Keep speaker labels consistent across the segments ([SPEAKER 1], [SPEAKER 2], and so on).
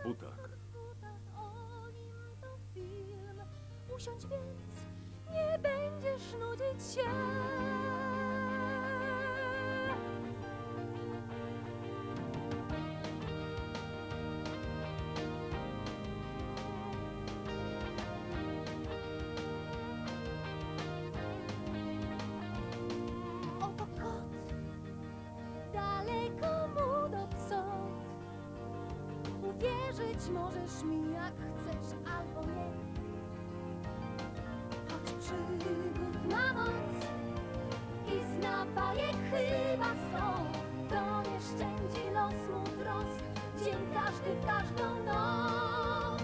[SPEAKER 1] butach.
[SPEAKER 2] O nim to film. Usiądź więc, nie będziesz nudzić się. Oto kot, daleko mu do psot. Uwierzyć możesz mi jak chcesz albo nie. Choć przygód ma moc i zna bajek chyba 100, to nie szczędzi los mu trosk, dzień każdy w każdą noc.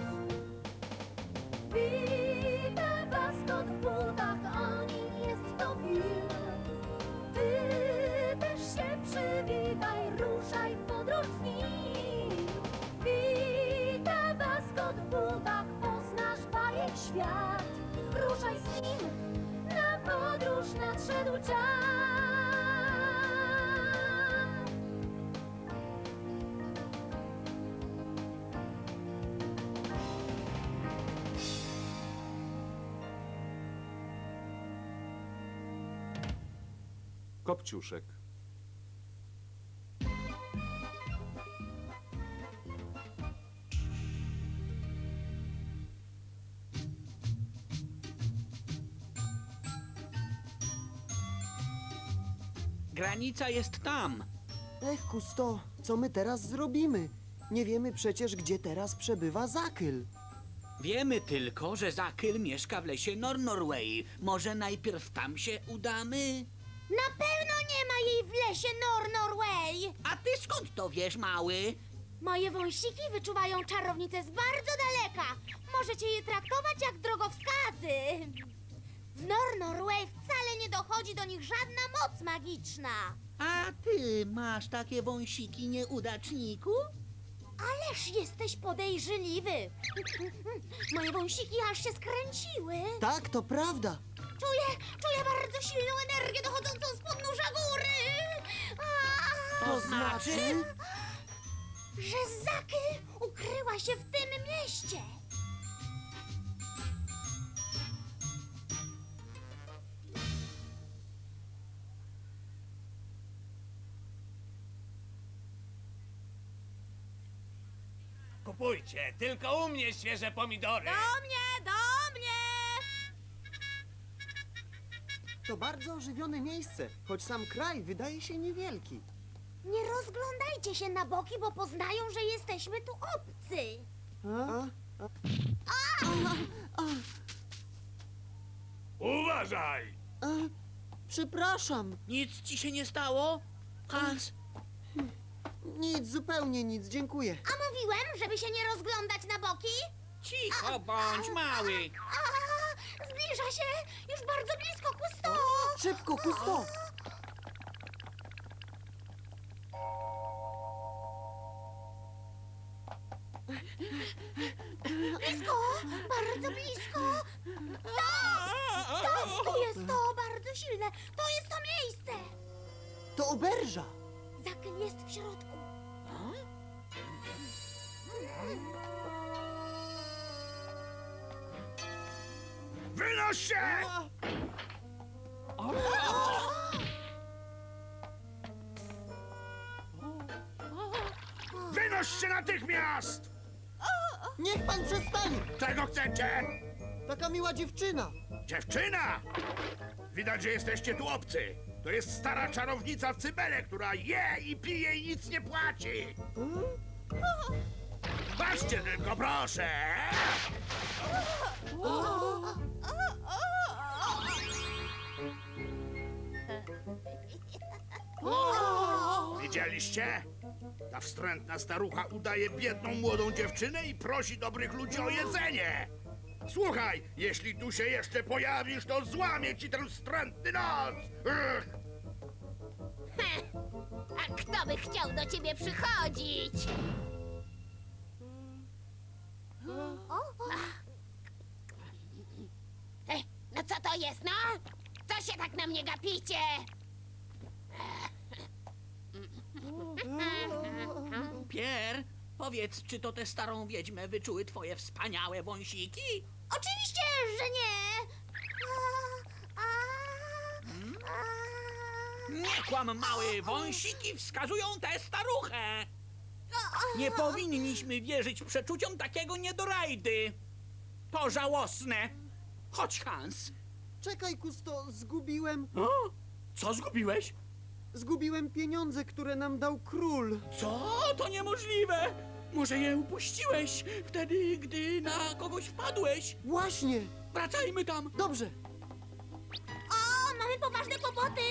[SPEAKER 2] Wita was kot w butach, o nim jest to film. Ty też się przywitaj, ruszaj w podróż z nim. Wita was kot w butach, poznasz bajek świat. Ruszaj z nim, na podróż nadszedł czas.
[SPEAKER 1] Kopciuszek.
[SPEAKER 3] Granica jest tam.
[SPEAKER 4] Ech, Kusto, co my teraz zrobimy? Nie wiemy przecież, gdzie teraz przebywa Zakyl.
[SPEAKER 3] Wiemy tylko, że Zakyl mieszka w lesie Nornorway. Może najpierw tam się udamy?
[SPEAKER 5] Na pewno nie ma jej w lesie Nornorway.
[SPEAKER 3] A ty skąd to wiesz, mały?
[SPEAKER 5] Moje wąsiki wyczuwają czarownicę z bardzo daleka. Możecie je traktować jak drogowskazy. Z Nornorway wcale nie dochodzi do nich żadna moc magiczna.
[SPEAKER 3] A ty masz takie wąsiki, nieudaczniku?
[SPEAKER 5] Ależ jesteś podejrzliwy. Moje wąsiki aż się skręciły.
[SPEAKER 4] Tak, to prawda.
[SPEAKER 5] Czuję bardzo silną energię dochodzącą z podnóża góry.
[SPEAKER 3] To znaczy?
[SPEAKER 5] Że Zakyl ukryła się w tym mieście.
[SPEAKER 6] Kupujcie, tylko u mnie świeże pomidory.
[SPEAKER 5] Do mnie!
[SPEAKER 4] To bardzo ożywione miejsce, choć sam kraj wydaje się niewielki.
[SPEAKER 5] Nie rozglądajcie się na boki, bo poznają, że jesteśmy tu obcy.
[SPEAKER 6] Uważaj!
[SPEAKER 4] Przepraszam,
[SPEAKER 3] Nic ci się nie stało? Hans,
[SPEAKER 4] nic, zupełnie nic, dziękuję.
[SPEAKER 5] A mówiłem, żeby się nie rozglądać na boki?
[SPEAKER 3] cicho bądź, mały.
[SPEAKER 5] Zbliża się! Już bardzo blisko, Kusto!
[SPEAKER 4] Szybko, Kusto!
[SPEAKER 5] Blisko! Bardzo blisko! Stop! Tu jest to bardzo silne! To jest to miejsce!
[SPEAKER 4] To oberża!
[SPEAKER 5] Zakyl jest w środku.
[SPEAKER 6] Wynoś się! Wynoś się natychmiast!
[SPEAKER 4] Niech pan przestanie!
[SPEAKER 6] Czego chcecie?
[SPEAKER 4] Taka miła dziewczyna!
[SPEAKER 6] Dziewczyna! Widać, że jesteście tu obcy. To jest stara czarownica w Cybele, która je i pije i nic nie płaci. Patrzcie tylko, proszę! Widzieliście? Ta wstrętna starucha udaje biedną młodą dziewczynę i prosi dobrych ludzi o jedzenie. Słuchaj, jeśli tu się jeszcze pojawisz, to złamię ci ten wstrętny nos! Ugh.
[SPEAKER 5] A kto by chciał do ciebie przychodzić? No co to jest, no? Co się tak na mnie gapicie?
[SPEAKER 3] Pierre, Powiedz, czy to tę starą wiedźmę wyczuły twoje wspaniałe wąsiki?
[SPEAKER 5] Oczywiście, że nie!
[SPEAKER 3] Nie kłam, mały, wąsiki wskazują tę staruchę. Nie powinniśmy wierzyć przeczuciom takiego niedorajdy. To żałosne. Chodź, Hans.
[SPEAKER 4] Czekaj, Kusto, zgubiłem...
[SPEAKER 3] O? Co zgubiłeś?
[SPEAKER 4] Zgubiłem pieniądze, które nam dał król.
[SPEAKER 3] Co? To niemożliwe. Może je upuściłeś wtedy, gdy na kogoś wpadłeś?
[SPEAKER 4] Właśnie!
[SPEAKER 3] Wracajmy tam.
[SPEAKER 4] Dobrze.
[SPEAKER 5] O, mamy poważne kłopoty!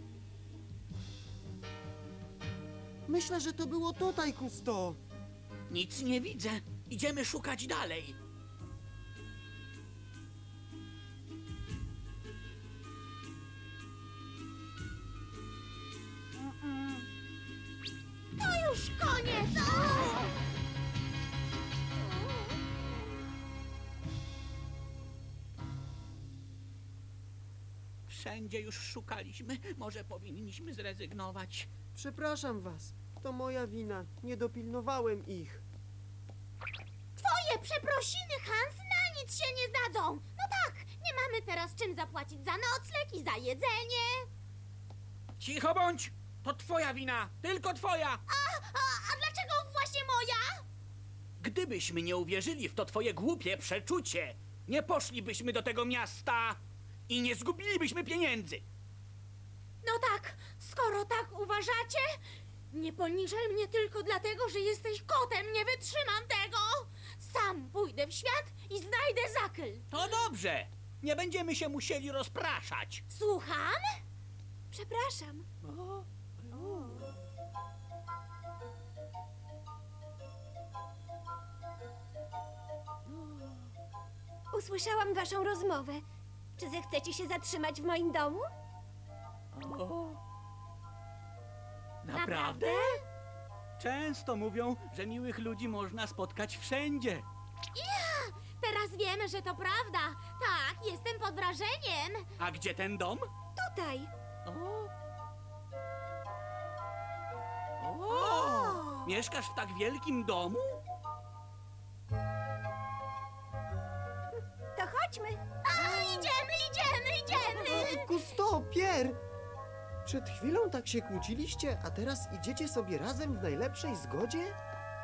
[SPEAKER 4] Myślę, że to było tutaj, Kusto.
[SPEAKER 3] Nic nie widzę. Idziemy szukać dalej.
[SPEAKER 5] To już koniec! O!
[SPEAKER 3] Wszędzie już szukaliśmy. Może powinniśmy zrezygnować.
[SPEAKER 4] Przepraszam was. To moja wina. Nie dopilnowałem ich.
[SPEAKER 5] Twoje przeprosiny, Hans, na nic się nie zdadzą! No tak, nie mamy teraz czym zapłacić za nocleg i za jedzenie.
[SPEAKER 3] Cicho bądź! To twoja wina! Tylko twoja!
[SPEAKER 5] A dlaczego właśnie moja?
[SPEAKER 3] Gdybyśmy nie uwierzyli w to twoje głupie przeczucie, nie poszlibyśmy do tego miasta i nie zgubilibyśmy pieniędzy.
[SPEAKER 5] No tak, skoro tak uważacie, nie poniżaj mnie tylko dlatego, że jesteś kotem, nie wytrzymam tego! Sam pójdę w świat i znajdę zakyl.
[SPEAKER 3] To dobrze! Nie będziemy się musieli rozpraszać.
[SPEAKER 5] Słucham? Przepraszam.
[SPEAKER 1] Usłyszałam waszą rozmowę. Czy zechcecie się zatrzymać w moim domu?
[SPEAKER 3] Naprawdę? Często mówią, że miłych ludzi można spotkać wszędzie.
[SPEAKER 5] Teraz wiemy, że to prawda. Tak, jestem pod wrażeniem.
[SPEAKER 3] A gdzie ten dom?
[SPEAKER 1] Tutaj.
[SPEAKER 3] O! Mieszkasz w tak wielkim domu?
[SPEAKER 1] To chodźmy.
[SPEAKER 5] Idziemy!
[SPEAKER 4] Kusto, Pier! Przed chwilą tak się kłóciliście, a teraz idziecie sobie razem w najlepszej zgodzie?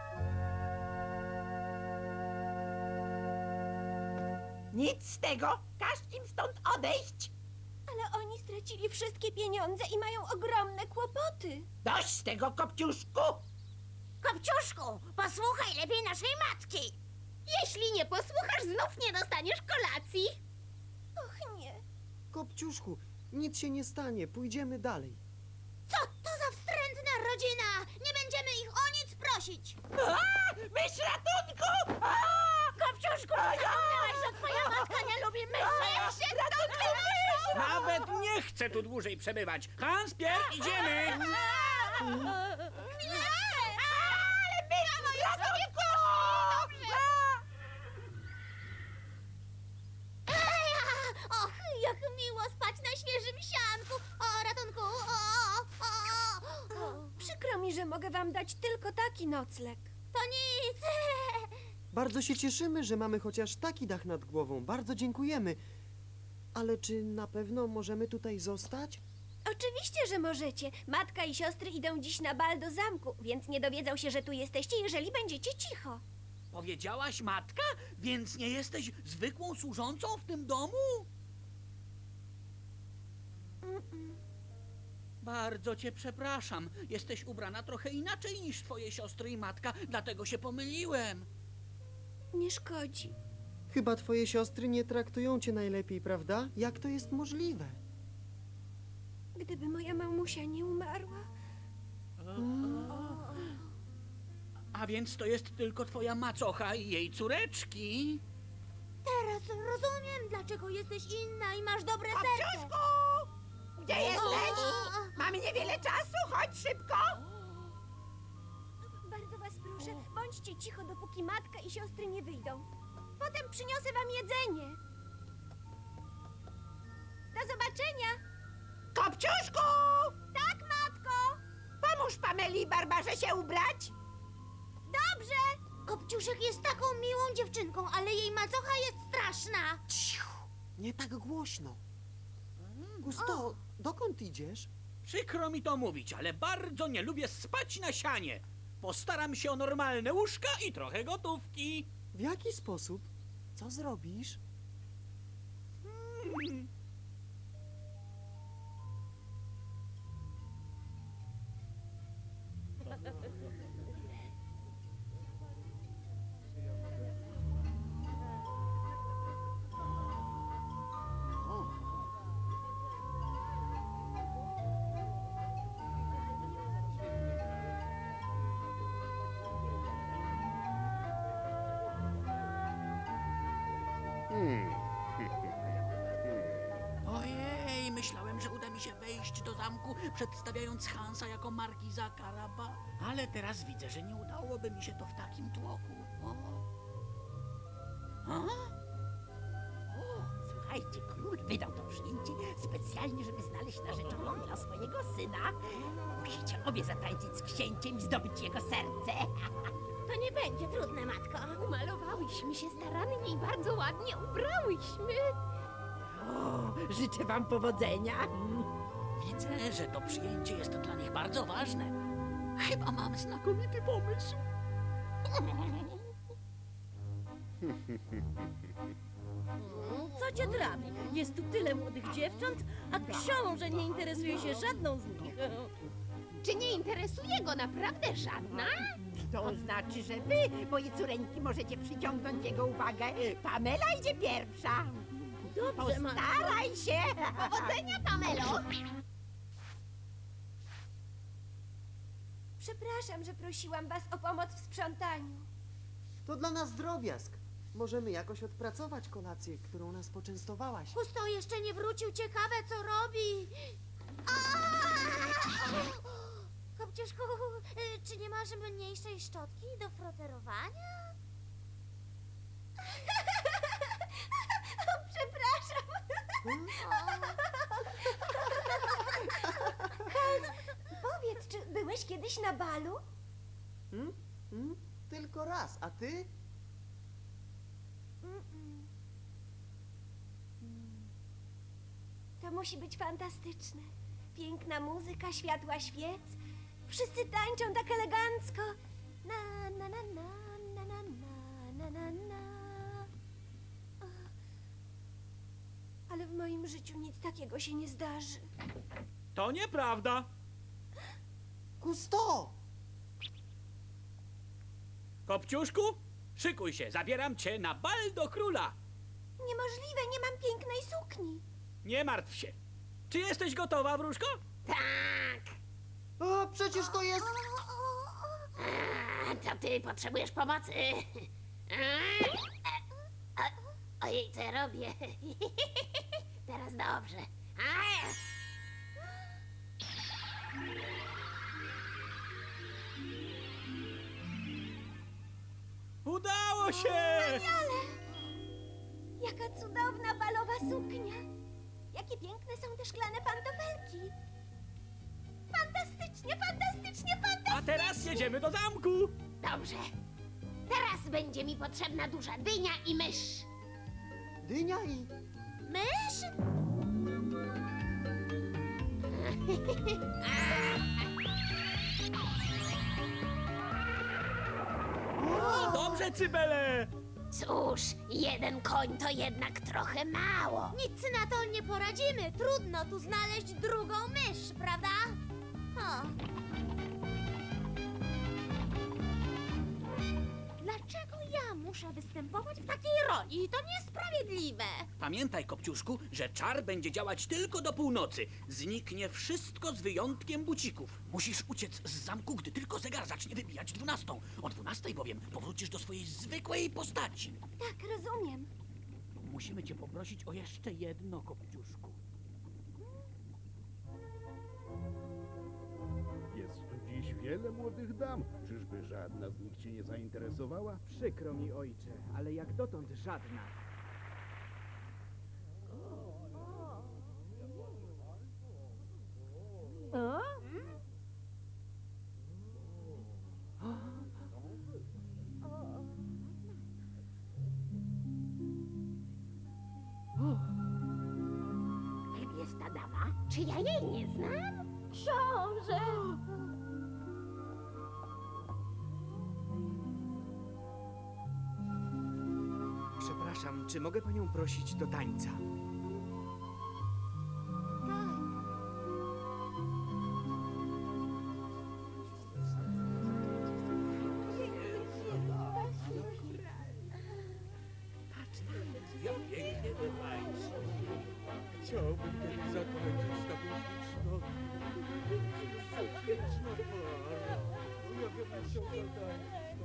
[SPEAKER 7] Nic z tego! Każ im stąd odejść!
[SPEAKER 1] Ale oni stracili wszystkie pieniądze i mają ogromne kłopoty.
[SPEAKER 7] Dość z tego, Kopciuszku!
[SPEAKER 5] Kopciuszku, posłuchaj lepiej naszej matki. Jeśli nie posłuchasz, znów nie dostaniesz kolacji.
[SPEAKER 1] Och nie.
[SPEAKER 4] Kopciuszku, nic się nie stanie, pójdziemy dalej.
[SPEAKER 5] Co to za wstrętna rodzina? Nie będziemy ich o nic prosić.
[SPEAKER 7] Mysz ratunku!
[SPEAKER 5] Kopciuszku, zapomniałaś, że twoja matka nie lubi myszy.
[SPEAKER 3] Nawet nie chcę tu dłużej przebywać. Hans, Pier, idziemy!
[SPEAKER 5] Och, jak miło spać na świeżym sianku. O, ratunku,
[SPEAKER 1] Przykro mi, że mogę wam dać tylko taki nocleg.
[SPEAKER 5] To nic.
[SPEAKER 4] Bardzo się cieszymy, że mamy chociaż taki dach nad głową. Bardzo dziękujemy. Ale czy na pewno możemy tutaj zostać?
[SPEAKER 1] Oczywiście, że możecie. Matka i siostry idą dziś na bal do zamku, więc nie dowiedzą się, że tu jesteście, jeżeli będziecie cicho.
[SPEAKER 3] Powiedziałaś matka? Więc nie jesteś zwykłą służącą w tym domu? Bardzo cię przepraszam. Jesteś ubrana trochę inaczej niż twoje siostry i matka, dlatego się pomyliłem.
[SPEAKER 1] Nie szkodzi.
[SPEAKER 4] Chyba twoje siostry nie traktują cię najlepiej, prawda? Jak to jest możliwe?
[SPEAKER 1] Gdyby moja mamusia nie umarła.
[SPEAKER 3] A więc to jest tylko twoja macocha i jej córeczki.
[SPEAKER 5] Teraz rozumiem, dlaczego jesteś inna i masz dobre serce.
[SPEAKER 7] Kopciuszku! Gdzie jesteś? Mamy niewiele czasu, chodź szybko!
[SPEAKER 1] Bardzo was proszę, bądźcie cicho, dopóki matka i siostry nie wyjdą. Potem przyniosę wam jedzenie. Do zobaczenia.
[SPEAKER 7] Kopciuszku!
[SPEAKER 1] Tak, matko.
[SPEAKER 7] Pomóż Pameli i Barbarze się ubrać!
[SPEAKER 5] Dobrze! Kopciuszek jest taką miłą dziewczynką, ale jej macocha jest straszna.
[SPEAKER 4] Cicho, nie tak głośno. Gusto, dokąd idziesz?
[SPEAKER 3] Przykro mi to mówić, ale bardzo nie lubię spać na sianie. Postaram się o normalne łóżka i trochę gotówki.
[SPEAKER 4] W jaki sposób? Co zrobisz?
[SPEAKER 3] Ojej, myślałem, że uda mi się wejść do zamku, przedstawiając Hansa jako markiza Karaba, ale teraz widzę, że nie udałoby mi się to w takim tłoku. O. A?
[SPEAKER 7] Słuchajcie, król wydał to przyjęcie specjalnie, żeby znaleźć narzeczoną dla swojego syna. Musicie obie zatańczyć z księciem i zdobyć jego serce.
[SPEAKER 5] To nie będzie trudne, matko.
[SPEAKER 1] Umalowałyśmy się starannie i bardzo ładnie ubrałyśmy.
[SPEAKER 7] O, życzę wam powodzenia.
[SPEAKER 3] Widzę, że to przyjęcie jest dla nich bardzo ważne. Chyba mam znakomity pomysł.
[SPEAKER 8] Co cię trafi? Jest tu tyle młodych dziewcząt, a książę nie interesuje się żadną z nich.
[SPEAKER 1] Czy nie interesuje go naprawdę żadna?
[SPEAKER 7] To znaczy, że wy, moje córeńki, możecie przyciągnąć jego uwagę. Pamela idzie pierwsza.
[SPEAKER 8] Dobrze, matko.
[SPEAKER 7] Postaraj się.
[SPEAKER 5] Powodzenia, Pamelo!
[SPEAKER 1] Przepraszam, że prosiłam was o pomoc w sprzątaniu.
[SPEAKER 4] To dla nas drobiazg. Możemy jakoś odpracować kolację, którą nas poczęstowałaś.
[SPEAKER 5] Gusto jeszcze nie wrócił, ciekawe co robi. Kopciuszku, czy nie masz mniejszej szczotki do froterowania?
[SPEAKER 1] Przepraszam. Powiedz, czy byłeś kiedyś na balu?
[SPEAKER 4] Tylko raz, a ty?
[SPEAKER 1] To musi być fantastyczne. Piękna muzyka, światła świec. Wszyscy tańczą tak elegancko. Na, na, na, na, na, na, na, na, na, na. Ale w moim życiu nic takiego się nie zdarzy.
[SPEAKER 3] To nieprawda.
[SPEAKER 4] Gusto!
[SPEAKER 3] Kopciuszku, szykuj się, zabieram cię na bal do króla.
[SPEAKER 1] Niemożliwe, nie mam pięknej sukni.
[SPEAKER 3] Nie martw się. Czy jesteś gotowa, wróżko?
[SPEAKER 4] O, przecież to jest...
[SPEAKER 2] To ty potrzebujesz pomocy. Ojej, co ja robię? Teraz dobrze.
[SPEAKER 3] Udało się!
[SPEAKER 1] Jaka cudowna balowa suknia. Jakie piękne są te szklane pantofelki. Fantastycznie, fantastycznie, fantastycznie.
[SPEAKER 3] A teraz jedziemy do zamku.
[SPEAKER 2] Dobrze. Teraz będzie mi potrzebna duża dynia i mysz.
[SPEAKER 4] Dynia i...
[SPEAKER 5] Mysz?
[SPEAKER 3] Dobrze, Cybele.
[SPEAKER 2] Cóż, jeden koń to jednak trochę mało.
[SPEAKER 5] Nic na to nie poradzimy. Trudno tu znaleźć drugą mysz, prawda? O. Dlaczego ja muszę występować w takiej roli? To niesprawiedliwe.
[SPEAKER 3] Pamiętaj, Kopciuszku, że czar będzie działać tylko do północy. Zniknie wszystko z wyjątkiem bucików. Musisz uciec z zamku, gdy tylko zegar zacznie wybijać 12. O 12 bowiem powrócisz do swojej zwykłej postaci.
[SPEAKER 1] Tak, rozumiem.
[SPEAKER 3] Musimy cię poprosić o jeszcze jedno, Kopciuszku.
[SPEAKER 9] Jest tu dziś wiele młodych dam. Czyżby żadna z nich cię nie zainteresowała?
[SPEAKER 10] Przykro mi, ojcze, ale jak dotąd żadna.
[SPEAKER 7] Czy ja jej nie znam?
[SPEAKER 2] Książę!
[SPEAKER 10] Przepraszam, czy mogę panią prosić do tańca?
[SPEAKER 9] Chciałbym kiedyś zakończyć taką śliczną... śliczną parę. Ja bym chciał zatańczyć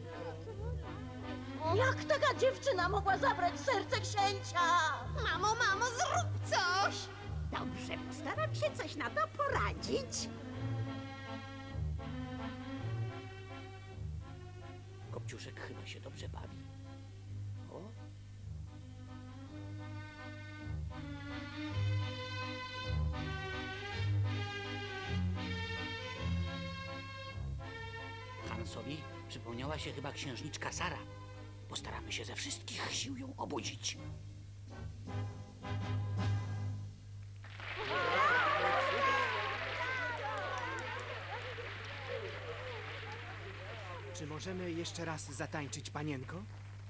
[SPEAKER 9] tą
[SPEAKER 8] Jak taka dziewczyna mogła zabrać serce księcia?
[SPEAKER 5] Mamo, zrób coś!
[SPEAKER 7] Dobrze, postaram się coś na to poradzić.
[SPEAKER 3] Kopciuszek chyba się dobrze bawi. O, Hansowi przypomniała się chyba księżniczka Sara. Postaramy się ze wszystkich sił ją obudzić.
[SPEAKER 10] Czy możemy jeszcze raz zatańczyć, panienko?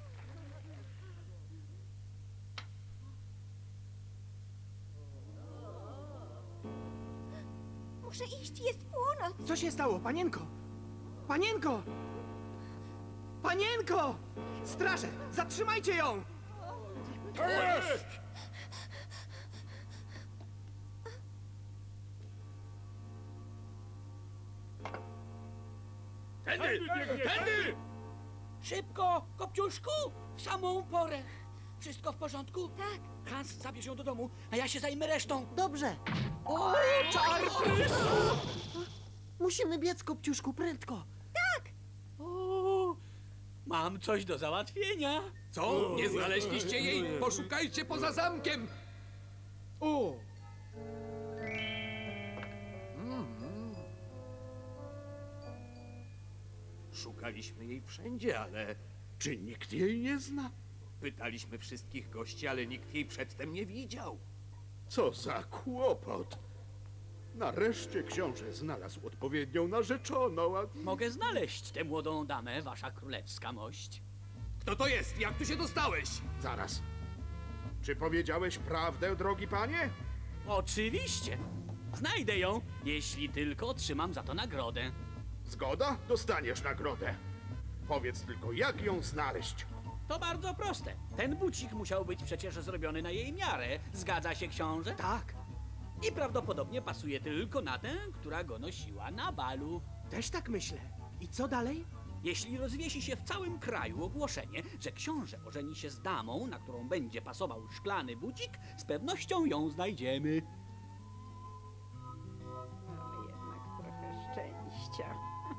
[SPEAKER 1] Muszę iść, jest północ.
[SPEAKER 10] Co się stało, panienko? Panienko! Panienko! Straże, zatrzymajcie ją!
[SPEAKER 6] To jest! Tędy! Tędy!
[SPEAKER 3] Szybko, Kopciuszku! W samą porę! Wszystko w porządku?
[SPEAKER 1] Tak.
[SPEAKER 3] Hans, zabierz ją do domu, a ja się zajmę resztą.
[SPEAKER 4] Dobrze.
[SPEAKER 3] O, czar
[SPEAKER 4] Musimy biec, Kopciuszku, prędko.
[SPEAKER 3] O, mam coś do załatwienia.
[SPEAKER 11] Co? Nie znaleźliście jej? Poszukajcie poza zamkiem!
[SPEAKER 10] O!
[SPEAKER 11] Szukaliśmy jej wszędzie, ale czy nikt jej nie zna? Pytaliśmy wszystkich gości, ale nikt jej przedtem nie widział.
[SPEAKER 6] Co za kłopot! Nareszcie książę znalazł odpowiednią narzeczoną, a...
[SPEAKER 3] Mogę znaleźć tę młodą damę, wasza królewska mość.
[SPEAKER 11] Kto to jest? Jak tu się dostałeś?
[SPEAKER 6] Zaraz. Czy powiedziałeś prawdę, drogi panie?
[SPEAKER 3] Oczywiście. Znajdę ją, jeśli tylko otrzymam za to nagrodę.
[SPEAKER 6] Zgoda? Dostaniesz nagrodę. Powiedz tylko, jak ją znaleźć.
[SPEAKER 3] To bardzo proste. Ten bucik musiał być przecież zrobiony na jej miarę. Zgadza się, książę?
[SPEAKER 10] Tak,
[SPEAKER 3] I prawdopodobnie pasuje tylko na tę, która go nosiła na balu.
[SPEAKER 10] też tak myślę. I co dalej?
[SPEAKER 3] Jeśli rozwiesi się w całym kraju ogłoszenie, że książę ożeni się z damą, na którą będzie pasował szklany bucik, z pewnością ją znajdziemy.
[SPEAKER 7] Mamy jednak trochę szczęścia.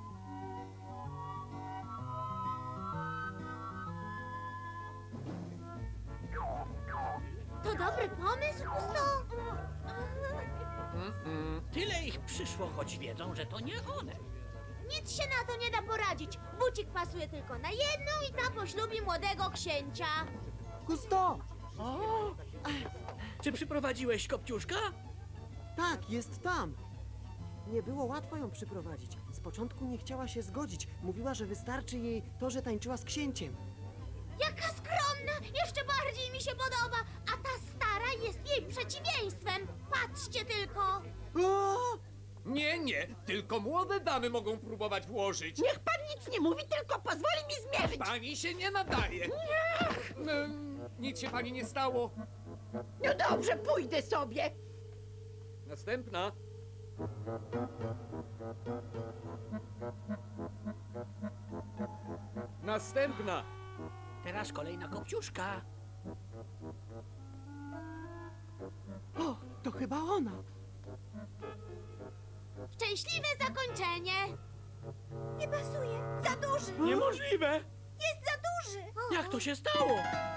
[SPEAKER 5] To dobry pomysł, Gusto?
[SPEAKER 3] Tyle ich przyszło, choć wiedzą, że to nie one.
[SPEAKER 5] Nic się na to nie da poradzić. Bucik pasuje tylko na jedną i ta poślubi młodego księcia.
[SPEAKER 4] Gusto!
[SPEAKER 3] Czy przyprowadziłeś Kopciuszka?
[SPEAKER 4] Tak, jest tam. Nie było łatwo ją przyprowadzić. Z początku nie chciała się zgodzić. Mówiła, że wystarczy jej to, że tańczyła z księciem.
[SPEAKER 5] Jaka skromna! Jeszcze bardziej mi się podoba. A ta stara jest jej przeciwieństwem. Patrzcie tylko.
[SPEAKER 4] O!
[SPEAKER 11] Nie, tylko młode damy mogą próbować włożyć.
[SPEAKER 7] Niech pan nic nie mówi, tylko pozwoli mi zmierzyć.
[SPEAKER 11] Pani się nie nadaje. Nic się pani nie stało.
[SPEAKER 7] No dobrze, pójdę sobie.
[SPEAKER 11] Następna. Następna.
[SPEAKER 3] Teraz kolejna Kopciuszka.
[SPEAKER 10] O, to chyba ona.
[SPEAKER 5] Szczęśliwe zakończenie.
[SPEAKER 1] Nie pasuje. Za duży.
[SPEAKER 3] Niemożliwe!
[SPEAKER 1] Jest za duży. O,
[SPEAKER 3] Jak to się stało?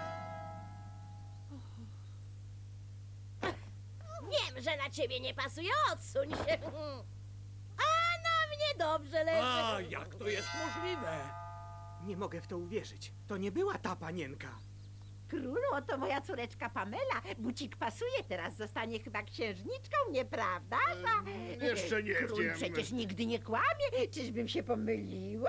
[SPEAKER 8] Wiem, że na ciebie nie pasuje, odsuń się. A na mnie dobrze leży.
[SPEAKER 11] A, jak to jest możliwe?
[SPEAKER 10] Nie mogę w to uwierzyć. To nie była ta panienka.
[SPEAKER 7] Królu, oto moja córeczka Pamela. Bucik pasuje, teraz zostanie chyba księżniczką, nieprawda?
[SPEAKER 6] Jeszcze nie
[SPEAKER 7] Król
[SPEAKER 6] wiem.
[SPEAKER 7] przecież nigdy nie kłamie. Czyżbym się pomyliła?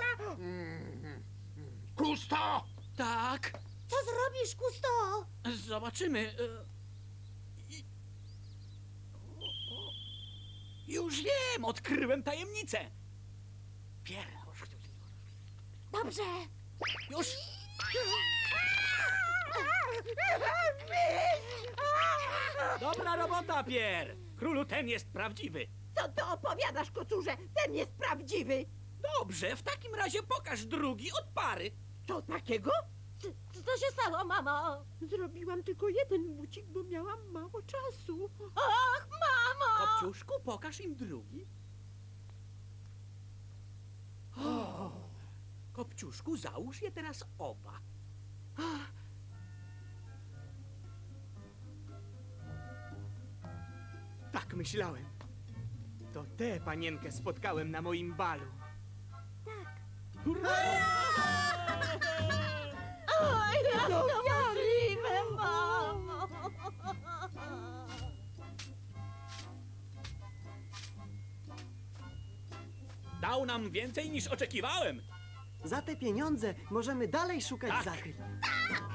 [SPEAKER 6] Kusto!
[SPEAKER 3] Tak,
[SPEAKER 5] Co zrobisz, Kusto?
[SPEAKER 3] zobaczymy. Już wiem, odkryłem tajemnicę. Pier,
[SPEAKER 5] Dobrze.
[SPEAKER 3] już. Dobra robota, Pier. Królu, ten jest prawdziwy.
[SPEAKER 7] Co ty opowiadasz, kocurze? Ten jest prawdziwy.
[SPEAKER 3] Dobrze, w takim razie pokaż drugi od pary.
[SPEAKER 7] Co takiego?
[SPEAKER 8] Co się stało, mamo?
[SPEAKER 7] Zrobiłam tylko jeden bucik, bo miałam mało czasu.
[SPEAKER 8] Ach, mamo!
[SPEAKER 3] Kopciuszku, pokaż im drugi. O, Kopciuszku, załóż je teraz oba.
[SPEAKER 10] Tak myślałem. To tę panienkę spotkałem na moim balu.
[SPEAKER 8] Oj, jak to możliwe, mamo!
[SPEAKER 3] Dał nam więcej niż oczekiwałem.
[SPEAKER 4] Za te pieniądze możemy dalej szukać
[SPEAKER 3] Tak.
[SPEAKER 4] zakryt.
[SPEAKER 5] Tak!